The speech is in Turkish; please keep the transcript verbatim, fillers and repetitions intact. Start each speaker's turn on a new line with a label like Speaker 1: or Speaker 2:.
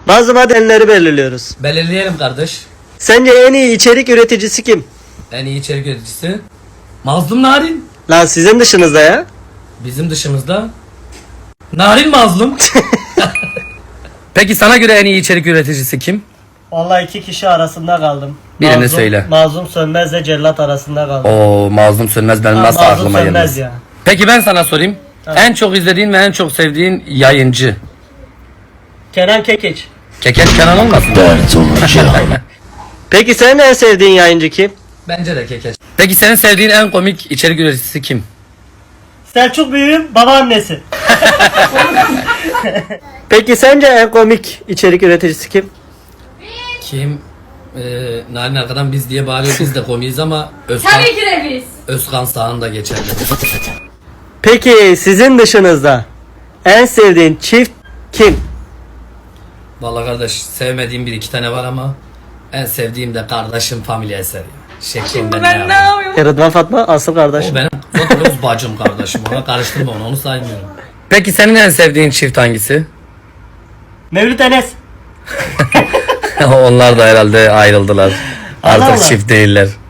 Speaker 1: Bazı madenleri belirliyoruz.
Speaker 2: Belirleyelim kardeş.
Speaker 1: Sence en iyi içerik üreticisi kim?
Speaker 2: En iyi içerik üreticisi Mazlum Narin.
Speaker 1: Lan sizin dışınızda ya.
Speaker 2: Bizim dışımızda Narin Mazlum. Peki sana göre en iyi içerik üreticisi kim?
Speaker 1: Vallahi iki kişi arasında kaldım.
Speaker 2: Birini
Speaker 1: Mazlum,
Speaker 2: söyle.
Speaker 1: Mazlum Sönmez'le Cellat arasında kaldım.
Speaker 2: Oo, Mazlum Sönmez benim
Speaker 1: Ha,
Speaker 2: nasıl
Speaker 1: Mazlum
Speaker 2: aklıma
Speaker 1: Sönmez
Speaker 2: gelmez.
Speaker 1: ya.
Speaker 2: Peki ben sana sorayım. En çok izlediğin ve en çok sevdiğin yayıncı.
Speaker 1: Kenan Kekeç.
Speaker 2: Kekeç Kenan olmasın?
Speaker 1: Peki senin en sevdiğin yayıncı kim?
Speaker 2: Bence de Kekeç. Peki senin sevdiğin en komik içerik üreticisi kim?
Speaker 1: Selçuk Büyük'ün babaannesi. Peki sence en komik içerik üreticisi kim?
Speaker 2: Kim? Ee, Narin arkadan biz diye bağırıyor, biz de komiyiz ama Özkan,
Speaker 3: Tabii ki de biz.
Speaker 2: Özkan Sağ'ın geçerli.
Speaker 1: Peki sizin dışınızda en sevdiğin çift kim?
Speaker 2: Vallahi kardeş sevmediğim bir iki tane var ama en sevdiğim de kardeşim Familya Eseri. Şeklinde
Speaker 3: Ben ne
Speaker 2: ne
Speaker 3: yapıyorum?
Speaker 1: Rıdvan Fatma asıl kardeşim.
Speaker 2: O benim Rose bacım kardeşim, ona karıştırma onu, onu saymıyorum. Peki senin en sevdiğin çift hangisi?
Speaker 1: Mevlüt Enes.
Speaker 2: Onlar da herhalde ayrıldılar.
Speaker 1: Allah
Speaker 2: Artık
Speaker 1: Allah.
Speaker 2: çift değiller.